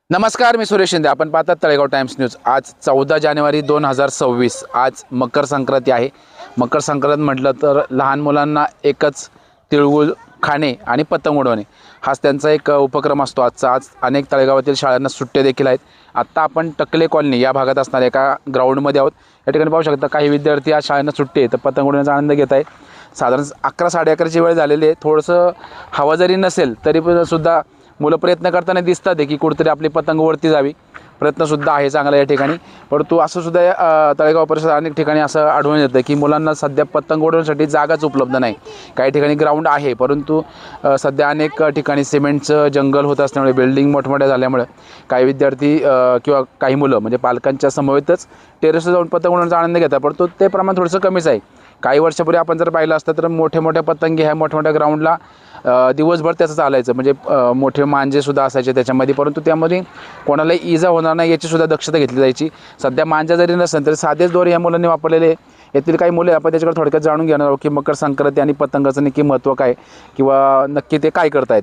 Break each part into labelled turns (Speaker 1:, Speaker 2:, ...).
Speaker 1: नमस्कार, मी सुरेश शिंदे. आपण पाहतात तळेगाव टाइम्स न्यूज. आज 14 जानेवारी 2026. आज मकर संक्रांती आहे. मकर संक्रांत म्हटलं तर लहान मुलांना एकच तिळगुळ खाणे आणि पतंग उडवणे हाच त्यांचा एक उपक्रम असतो आजचा. आज अनेक तळेगावातील शाळांना सुट्ट्या देखील आहेत. आत्ता आपण टकले कॉलनी या भागात असणाऱ्या एका ग्राउंडमध्ये आहोत. या ठिकाणी पाहू शकता काही विद्यार्थी आज शाळांना सुट्टी आहे तर पतंग उडवण्याचा आनंद घेत आहेत. साधारण 11-11:30ची वेळ झालेली आहे. थोडंसं हवा जरी नसेल तरी पण सुद्धा मुलं प्रयत्न करताना दिसतात की कुठेतरी आपली पतंग वरती जावी. प्रयत्नसुद्धा आहे चांगला या ठिकाणी. परंतु असं सुद्धा तळेगाव परिसरात अनेक ठिकाणी असं आढळून येतं की मुलांना सध्या पतंग उडवण्यासाठी जागाच उपलब्ध नाही. काही ठिकाणी ग्राउंड आहे परंतु सध्या अनेक ठिकाणी सिमेंटचं जंगल होत असल्यामुळे, बिल्डिंग मोठमोठ्या झाल्यामुळे काही विद्यार्थी किंवा काही मुलं म्हणजे पालकांच्या समवेतच टेरेसवर जाऊन पतंग उडवण्याचा आनंद घेतात. परंतु ते प्रमाण थोडंसं कमीच आहे. काही वर्षापूर्वी आपण जर पाहिलं असतं तर मोठ्या पतंगी ह्या मोठ्या ग्राउंडला दिवसभर त्याचं चालायचं. म्हणजे मोठे मांजेसुद्धा असायचे त्याच्यामध्ये, परंतु त्यामध्ये कोणालाही इजा होणार नाही याचीसुद्धा दक्षता घेतली जायची. सध्या मांजा जरी नसेल तरी साधेच दोरे या मुलांनी वापरलेले. यातील काही मुले आपण त्याच्याकडे थोडक्यात जाणून घेणार आहोत की मकर संक्रांती आणि पतंगाचं नक्की महत्त्व काय किंवा नक्की ते काय करतायत.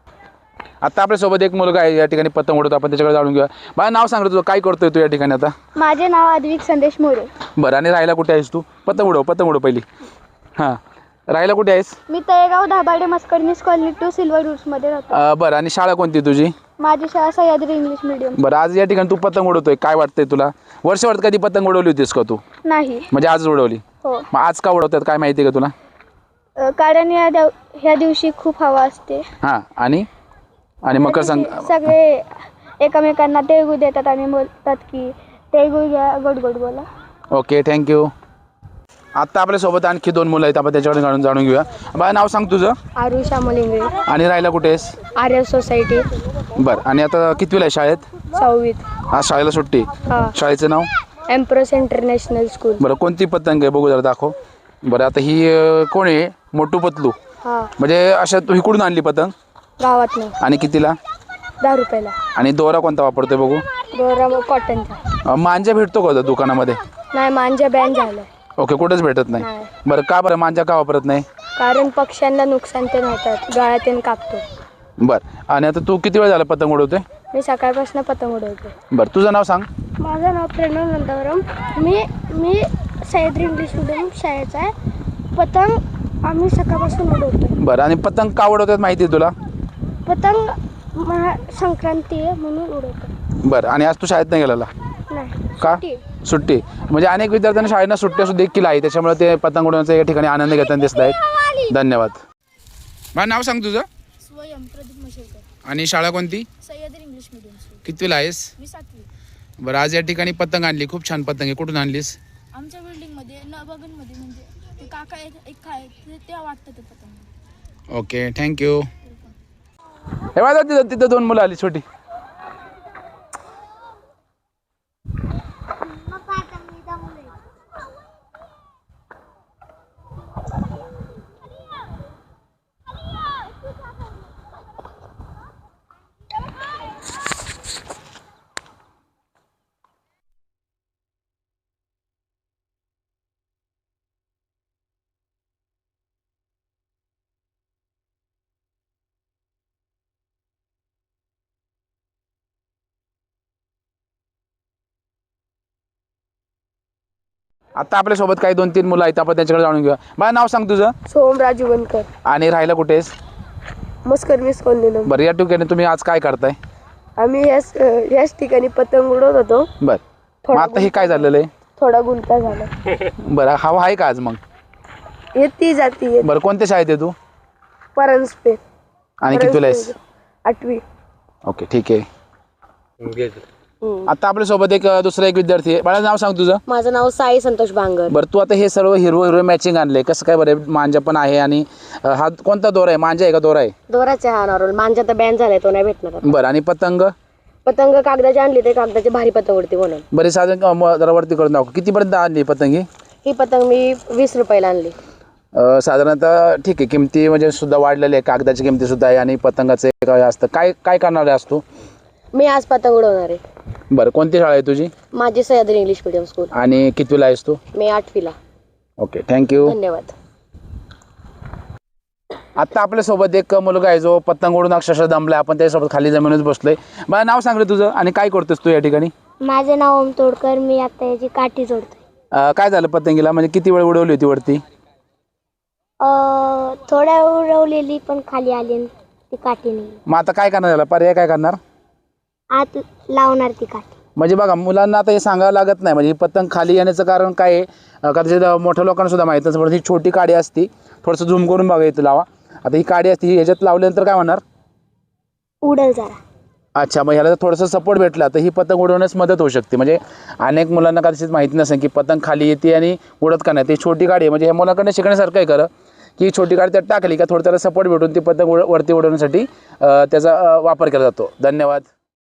Speaker 1: आता आपल्यासोबत एक मुलगा आहे या ठिकाणी पतंग उडवतो. आपण त्याच्याकडे जाणून घेऊया. मला नाव सांग तुझं, काय करतोय तू या ठिकाणी आता?
Speaker 2: माझे नाव अद्विक संदेश मोरे.
Speaker 1: बरं, आणि राहायला कुठे आहेस तू? पतंग उडव पहिली. हां, राहायला कुठे आहेस?
Speaker 2: मी तळेगाव दाभाडे मस्कडनीस कॉलनी 2 सिल्वर रूट्समध्ये राहतो.
Speaker 1: बरं, आणि शाळा कोणती तुझी?
Speaker 2: माझी शाळा सह्याद्री इंग्लिश मीडियम.
Speaker 1: बरं, आज या ठिकाणी तू पतंग उडवतोय, काय वाटतंय तुला? वर्षभरात कधी पतंग उडवली होतीस का तू?
Speaker 2: नाही.
Speaker 1: म्हणजे आज उडवली?
Speaker 2: हो.
Speaker 1: मग आज का उडवतात काय माहिती आहे का तुला?
Speaker 2: कारण ह्या दिवशी खूप हवा असते.
Speaker 1: हां, आणि मकर
Speaker 2: सगळे एकमेकांना तिळगुळ देतात आणि बोलतात की तिळगुळ घ्या, गोड गोड बोला.
Speaker 1: Okay, thank you. आत्ता आपल्यासोबत आणखी 2 मुलं आहेत. आपण त्याच्याकडे जाणून घेऊया. बाळा, नाव सांग तुझं?
Speaker 2: आरुषा मलिंगरे.
Speaker 1: आणि राहायला कुठे आहेस?
Speaker 2: आर्य सोसायटी.
Speaker 1: बरं, आणि आता कितवीला आहे शाळेत?
Speaker 2: 6वीत.
Speaker 1: आज शाळेला सुट्टी.
Speaker 2: हां.
Speaker 1: शाळेचं नाव?
Speaker 2: Empress international school.
Speaker 1: बरं, कोणती पतंग आहे बघू जरा, दाखव. बरं, आता ही कोण आहे? मोटू पतलू.
Speaker 2: हां.
Speaker 1: म्हणजे अशा तू इकडून आणली पतंग?
Speaker 2: गावात नाही.
Speaker 1: आणि कितीला?
Speaker 2: 10 रुपयाला.
Speaker 1: आणि दोरा कोणता वापरतोय बघू?
Speaker 2: दोरा कॉटनचा.
Speaker 1: मांजा भेटतो का दुकानामध्ये?
Speaker 2: नाही, मांजा बॅन झालाय.
Speaker 1: ओके, कुठंच भेटत नाही.
Speaker 2: नाही.
Speaker 1: बरं, का बरं मांजा का वापरत नाही?
Speaker 2: कारण पक्ष्यांना नुकसान ते होतात, गाळ्यातून कापतो.
Speaker 1: बरं, आणि आता तू किती वेळ झाला पतंग उडवतोय?
Speaker 2: मी सकाळपासून पतंग उडवते.
Speaker 1: बरं, तुझं नाव सांग?
Speaker 2: माझं नाव प्रणव नंदवरम. मी सह्याद्री इंग्लिश मीडियम शाळेचा आहे. पतंग आम्ही सकाळपासून उडवतो.
Speaker 1: बरं, आणि पतंग का उडवतात माहिती आहे तुला?
Speaker 2: पतंग संक्रांती आहे म्हणून उडवतो.
Speaker 1: बरं, आणि आज तू शाळेत नाही गेलेला
Speaker 2: नाही?
Speaker 1: का?
Speaker 2: सुट्टी.
Speaker 1: सुट्टी. म्हणजे अनेक विद्यार्थ्यांना शाळेला सुट्ट्या सुद्धा देखील आहे, त्याच्यामुळे ते पतंग उडवण्याचा या ठिकाणी आनंद घेताना दिसत आहेत. धन्यवाद. मला नाव सांग तुझं?
Speaker 2: स्वयं प्रदीप मशेलकर.
Speaker 1: आणि शाळा कोणती?
Speaker 2: Sahyadri English medium school.
Speaker 1: कितवीला आहेस?
Speaker 2: मी 7वी.
Speaker 1: बरं, आज या ठिकाणी पतंग आणली, खूप छान पतंग आहे. कुठून आणलीस?
Speaker 2: आमच्या बिल्डिंगमध्ये नबगनमध्ये म्हणजे ते काका एक ते वाटतं ते पतंग.
Speaker 1: Okay, thank you. हे बघा, तिथं 2 मुलं आली छोटी. आता आपल्यासोबत काही 2-3 मुलं आहेत, आपण त्यांच्याकडे जाणून घेऊया. मला नाव सांग तुझं?
Speaker 2: सोहम राजूवनकर.
Speaker 1: आणि राहायला कुठे आहेस?
Speaker 2: मस्करनीस कॉलनी.
Speaker 1: बरं, या ठिकाणी तुम्ही आज काय करताय?
Speaker 2: आम्ही याच ठिकाणी पतंग उडवत होतो.
Speaker 1: बरं, मग आता हे काय झालेलं आहे?
Speaker 2: थोडा गुंता झाला.
Speaker 1: बरं, हवा आहे का आज मग?
Speaker 2: येती जाती.
Speaker 1: बरं, कोणत्या शाळेत आहे तू?
Speaker 2: परांजपे.
Speaker 1: आणि कितवीला आहेस?
Speaker 2: 8वी.
Speaker 1: ओके, ठीक आहे. आता आपल्यासोबत एक दुसरा विद्यार्थी आहे. मला नाव सांग तुझं?
Speaker 3: माझं नाव साई संतोष बांगर.
Speaker 1: बरं, तू आता हे सर्व हिरवं मॅचिंग आणलंय, कसं काय? बरं, मांजा पण आहे. आणि हा कोणता दोरा आहे? मांजा आहे का दोरा आहे?
Speaker 3: दोराचे हा नॉर्मल. मांजा तर बॅन झालाय, तो नाही भेटणार.
Speaker 1: बरं, आणि पतंग?
Speaker 3: पतंग कागदाचे आणली, ते कागदाचे भारी पतंग उडते म्हणून.
Speaker 1: बरे, साधारण जरा वरती करून दाखव, कितीपर्यंत आणली पतंग
Speaker 3: ही पतंग मी 20 रुपयाला आणली.
Speaker 1: साधारणतः ठीक आहे. किमती म्हणजे सुद्धा वाढलेली आहे, कागदाची किमती सुद्धा आहे आणि पतंगाचे काय असतं, काय करणार आहे असतो?
Speaker 3: मी आज पतंग उडवणार आहे.
Speaker 1: बरं, कोणती शाळा आहे तुझी?
Speaker 3: माझी सह्याद्री इंग्लिश मीडियम स्कूल.
Speaker 1: आणि कितवीला आहेस तू?
Speaker 3: मी 8वीला.
Speaker 1: Okay, thank you.
Speaker 3: धन्यवाद.
Speaker 1: आत्ता आपल्यासोबत एक मुलगा आहे जो पतंग उडून अक्षरशः दमला, आपण त्याच्यासोबत खाली जमिनीच बसलोय. मला नाव सांग रे तुझं आणि काय करतोस तू या ठिकाणी?
Speaker 2: माझं नाव ओम तोडकर. मी आता याची काठी जोडतोय.
Speaker 1: काय झालं पतंगीला, म्हणजे किती वेळ उडवली होती वरती?
Speaker 2: थोड्या उडवलेली पण खाली आली आणि ती काठी नाही.
Speaker 1: मग आता काय करणार याला, पर्याय काय करणार?
Speaker 2: आत लावणार ती काठी.
Speaker 1: म्हणजे बघा मुलांना आता हे सांगावं लागत नाही, म्हणजे ही पतंग खाली येण्याचं कारण काय आहे कदाचित मोठ्या लोकांना सुद्धा माहीत नसतं. ही छोटी काडी असती, थोडंसं झूम करून बघा इथं लावा. आता ही काडी असते, ही ह्याच्यात लावल्यानंतर काय होणार?
Speaker 2: उडल जरा.
Speaker 1: अच्छा, मग ह्याला जर थोडंसं सपोर्ट भेटला तर ही पतंग उडवण्यास मदत होऊ शकते. म्हणजे अनेक मुलांना कदाचित माहिती नसेल की पतंग खाली येते आणि उडत का नाही. ती छोटी काडी आहे, म्हणजे ह्या मुलाकडनं शिकण्यासारखं आहे खरं, की छोटी काडी त्यात टाकली का थोडं त्याला सपोर्ट भेटून ती पतंग वरती उडवण्यासाठी त्याचा वापर केला जातो. धन्यवाद.